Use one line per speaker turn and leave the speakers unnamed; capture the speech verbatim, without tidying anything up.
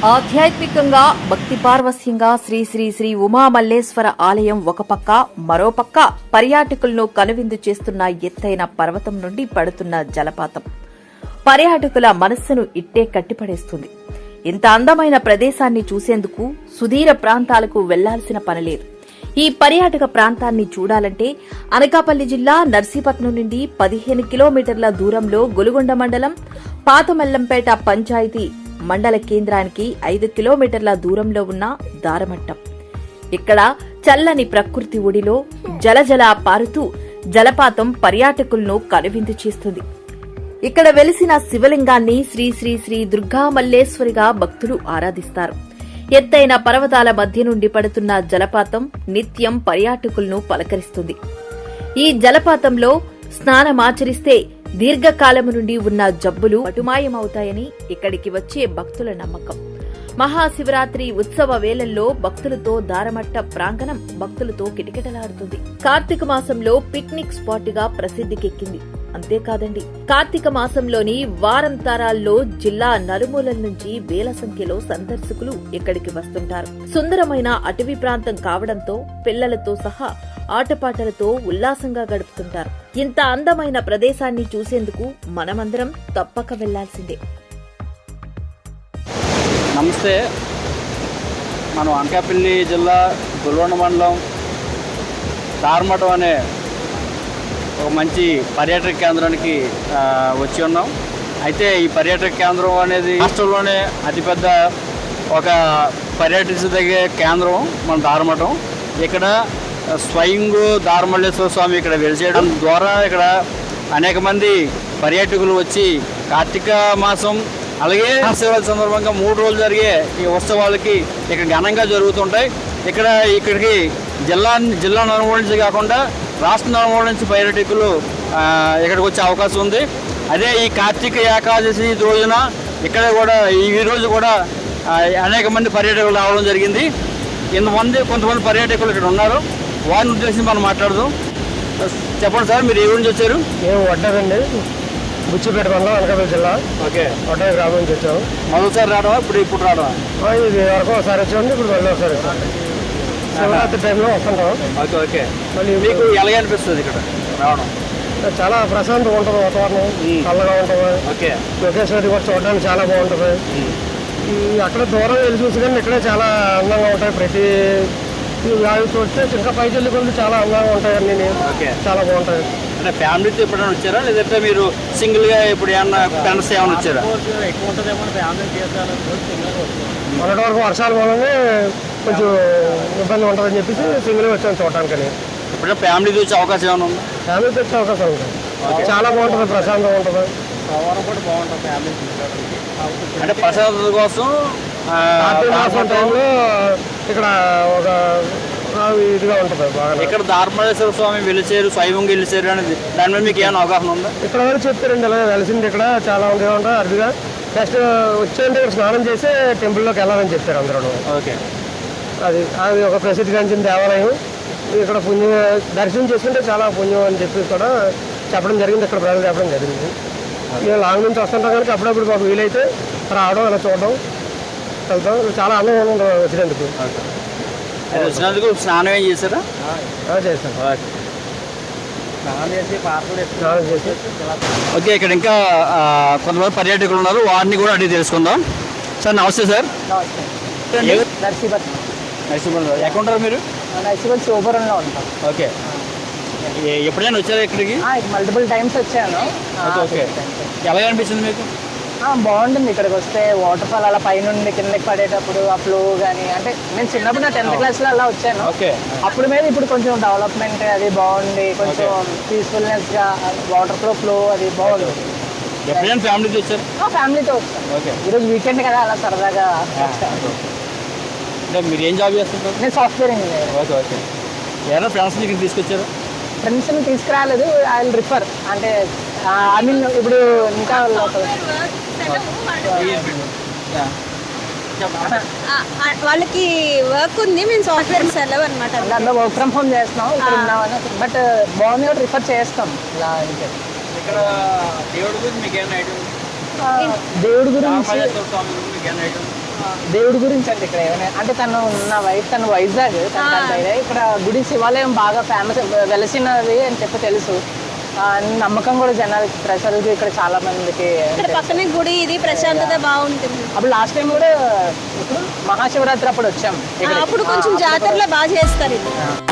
ఆధ్యాత్మికంగా భక్తి పార్వస్యంగా శ్రీ శ్రీ శ్రీ ఉమామల్లేశ్వర ఆలయం ఒక పక్క, మరోపక్క పర్యాటకులను కనువిందు చేస్తున్న ఎత్తైన పర్వతం నుండి పడుతున్న జలపాతం పర్యాటకుల మనస్సును ఇట్టే కట్టిపడేస్తుంది. ఇంత అందమైన ప్రదేశాన్ని చూసేందుకు సుదూర ప్రాంతాలకు వెళ్లాల్సిన పనిలేదు. ఈ పర్యాటక ప్రాంతాన్ని చూడాలంటే అనకాపల్లి జిల్లా నర్సీపట్నం నుండి పదిహేను కిలోమీటర్ల దూరంలో గొలుగొండ మండలం పాతమల్లంపేట పంచాయతీ మండల కేంద్రానికి ఐదు కిలోమీటర్ల దూరంలో ఉన్న దారమట్టం. ఇక్కడ చల్లని ప్రకృతి ఒడిలో జలజల పారుతూ జలపాతం పర్యాటకులను కనువిందు చేస్తుంది. ఇక్కడ వెలిసిన శివలింగాన్ని శ్రీ శ్రీ శ్రీ దుర్గా మల్లేశ్వరిగా భక్తులు ఆరాధిస్తారు. ఎత్తైన పర్వతాల మధ్య నుండి పడుతున్న జలపాతం నిత్యం పర్యాటకులను పలకరిస్తుంది. ఈ జలపాతంలో స్నానమాచరిస్తే దీర్ఘకాలము నుండి ఉన్న జబ్బులు అటుమాయమవుతాయని ఇక్కడికి వచ్చే భక్తుల నమ్మకం. మహాశివరాత్రి ఉత్సవ వేళల్లో భక్తులతో దారమట్ట ప్రాంగణం భక్తులతో కిటకిటలాడుతుంది. కార్తీక మాసంలో పిక్నిక్ స్పాట్ గా ప్రసిద్ధికెక్కింది. అంతేకాదండి, కార్తీక మాసంలోని వారం తరాల్లో జిల్లా నలుమూలల నుంచి వేల సంఖ్యలో సందర్శకులు ఇక్కడికి వస్తుంటారు. సుందరమైన అటవీ ప్రాంతం కావడంతో పిల్లలతో సహా ఆటపాటలతో ఉల్లాసంగా గడుపుతుంటారు. ఇంత అందమైన ప్రదేశాన్ని చూసేందుకు మనమందరం తప్పక వెళ్లాల్సిందే.
నమస్తే. మనం అనకాపల్లి జిల్లా గొలుగొండ మండలం దారమట్టం అనే ఒక మంచి పర్యాటక కేంద్రానికి వచ్చి ఉన్నాం. అయితే ఈ పర్యాటక కేంద్రం అనేది రాష్ట్రంలోనే అతిపెద్ద ఒక పర్యటించదగే కేంద్రం మన దారమట్టం. ఇక్కడ స్వయంగు దారమల్లేశ్వర స్వామి ఇక్కడ వెలిసేయడం ద్వారా ఇక్కడ అనేక మంది పర్యాటకులు వచ్చి కార్తీక మాసం అలాగే శివరాత్రి సందర్భంగా మూడు రోజులు జరిగే ఈ ఉత్సవాలకి ఇక్కడ ఘనంగా జరుగుతుంటాయి. ఇక్కడ ఇక్కడికి జిల్లా జిల్లా నలుమూల నుంచి కాకుండా రాష్ట్ర నలుమూల నుంచి పర్యాటకులు ఇక్కడికి వచ్చే అవకాశం ఉంది. అదే ఈ కార్తీక ఏకాదశి రోజున ఇక్కడ కూడా ఈ రోజు కూడా అనేక మంది పర్యాటకులు రావడం జరిగింది. ఇంతమంది కొంతమంది పర్యాటకులు ఇక్కడ ఉన్నారు. వారిని ఉద్దేశించి మనం మాట్లాడదాం. చెప్పండి సార్, మీరు ఏ ఊరి నుంచి వచ్చారు?
మేము వడ్డారండి, బుచ్చిపేట మండలం అనకాపల్లి జిల్లా.
ఓకే,
వడ్డా గ్రామం నుంచి వచ్చాము.
మొదటిసారి రావడమా ఇప్పుడు ఇప్పుడు రావడమా?
ఇది వరకు ఒకసారి వచ్చామండి, ఇప్పుడు మళ్ళీ ఒకసారి శివరాత్రి టైంలో వస్తుంటాం.
ఓకే ఓకే మళ్ళీ మీకు ఎలాగ అనిపిస్తుంది ఇక్కడ రావడం?
చాలా ప్రశాంతంగా ఉంటుంది, వాతావరణం చల్లగా ఉంటుంది.
ఓకే,
లొకేషన్ కూడా చూడడానికి చాలా బాగుంటుంది. ఈ అక్కడ దూరం వెళ్ళి చూసి కానీ ఇక్కడే చాలా అందంగా ఉంటాయి. ప్రతి అవి చూస్తే ఇంకా పైకి వెళ్ళి కొన్ని చాలా అందంగా ఉంటాయి. అన్ని చాలా బాగుంటాయి.
అంటే ఫ్యామిలీతో ఎప్పుడైనా వచ్చారా, లేదంటే మీరు సింగిల్ గా ఇప్పుడు ఏమన్నా ఫ్రెండ్స్ ఏమైనా వచ్చారా?
ఎక్కువ ఉంటుందేమో ఫ్యామిలీ మొన్నటి వరకు వర్షాల వల్లనే కొంచెం ఇబ్బంది ఉంటుందని చెప్పేసి సింగిల్ వచ్చాను చూడటానికి.
ఇప్పుడు ఫ్యామిలీ చూసే అవకాశం ఏమైనా ఉందా?
ఫ్యామిలీ తెచ్చే అవకాశం ఉంటుంది. చాలా బాగుంటుంది, ప్రశాంతంగా ఉంటుంది.
కూడా బాగుంటుంది ఫ్యామిలీ అంటే ప్రశాంతత కోసం.
టైంలో ఇక్కడ ఒక ఇదిగా ఉంటుంది బాగా.
ఇక్కడ దారమల్లేశ్వర స్వామి వెలిసేరు, స్వయంగా వెలిసేరు అనేది దాని మీద మీకు ఏమైనా అవగాహన ఉందా?
ఇక్కడ వరకు చెప్తారండి, ఇలా వెలిసింది ఇక్కడ చాలా ఉంది ఉంటాయి అరుదుగా. నెక్స్ట్ వచ్చేయండి ఇక్కడ స్నానం చేసి టెంపుల్లోకి వెళ్ళాలని చెప్తారు అందరూ.
ఓకే, అది
అది ఒక ప్రసిద్ధిగాంచిన దేవాలయం. ఇక్కడ పుణ్యం దర్శనం చేసుకుంటే చాలా పుణ్యం అని చెప్పి కూడా చెప్పడం జరిగింది. ఇక్కడ ప్రజలు చెప్పడం జరిగింది. మేము లాంగ్ నుంచి వస్తుంటాం కనుక అప్పుడప్పుడు మాకు వీలైతే రావడం, ఇలా చూడడం, వెళ్తాం. చాలా ఆనందంగా ఉంటుంది వచ్చినందుకు.
వచ్చినందుకు స్నానం ఏం చేశారా?
చేస్తాం. స్నానం చేసి
ఓకే, ఇక్కడ ఇంకా కొంతమంది పర్యాటకులు ఉన్నారు, వారిని కూడా అడిగి తెలుసుకుందాం. సార్ నమస్తే. సార్
నర్సీపట్నం.
నర్సీపట్నం ఎక్కడ ఉంటారు మీరు?
నర్సీపట్నం శివపురంలో ఉంటాం.
ఓకే, ఎప్పుడైనా వచ్చారా ఇక్కడికి?
మల్టిపుల్ టైమ్స్ వచ్చాను.
ఓకే, ఎలా అనిపిస్తుంది మీకు?
బాగుంటుంది ఇక్కడికి వస్తే. వాటర్ ఫాల్ అలా పైనుండి కిందకి పడేటప్పుడు ఆ ఫ్లో కానీ, అంటే నేను చిన్నప్పుడు నా టెన్త్ క్లాస్లో అలా వచ్చాను. అప్పుడు మీద ఇప్పుడు కొంచెం డెవలప్మెంట్ అది బాగుంది, కొంచెం పీస్ఫుల్నెస్గా వాటర్ ఫ్లో ఫ్లో అది బాగుంది.
ఎప్పుడైనా ఫ్యామిలీతో వచ్చారు?
ఫ్యామిలీతో వచ్చాను. ఈరోజు వీకెండ్ కదా, అలా సరదాగా వచ్చాను.
మీరు ఏం జాబ్ చేస్తుంటారు?
నేను సాఫ్ట్వేర్ ఇంజనీర్.
ఓకే ఓకే ఏమైనా ఫ్రెండ్స్ని ఇక్కడ తీసుకొచ్చారు?
ఫ్రెండ్స్ని తీసుకురాలేదు, ఐ విల్ రిఫర్. అంటే ఐ మీన్ ఇప్పుడు ఇంకా
వాళ్ళకి వర్క్ ఉంది, మేము సాఫ్ట్వేర్ సెలవు అనమాట.
దాంట్లో వర్క్ ఫ్రమ్ హోమ్ చేస్తున్నాం ఇక్కడ ఉన్నామని. బట్ బాగుంది కూడా రిఫర్ చేస్తాం. ఇలా
ఇక్కడ దేవుడి గురించి మీకు ఏమైనా ఐడియా?
దేవుడి గురించి దేవుడి గురించి అంటే ఇక్కడ ఏమైనా అంటే తను నా వైఫ్ తను వైజాగ్ తన తండ్రి. ఇక్కడ గుడి శివాలయం బాగా ఫేమస్ వెలసినది అని చెప్పి తెలుసు. ఆ, నమ్మకం కూడా జనాలకి ప్రజలకి ఇక్కడ చాలా మందికి.
ఇక్కడ పక్కనే గుడి, ఇది ప్రశాంతత బాగుంటుంది.
అప్పుడు లాస్ట్ టైం కూడా ఇప్పుడు మహాశివరాత్రి అప్పుడు వచ్చాం
ఆ, అప్పుడు కొంచెం జాతరలో బాగా చేస్తారు ఇది.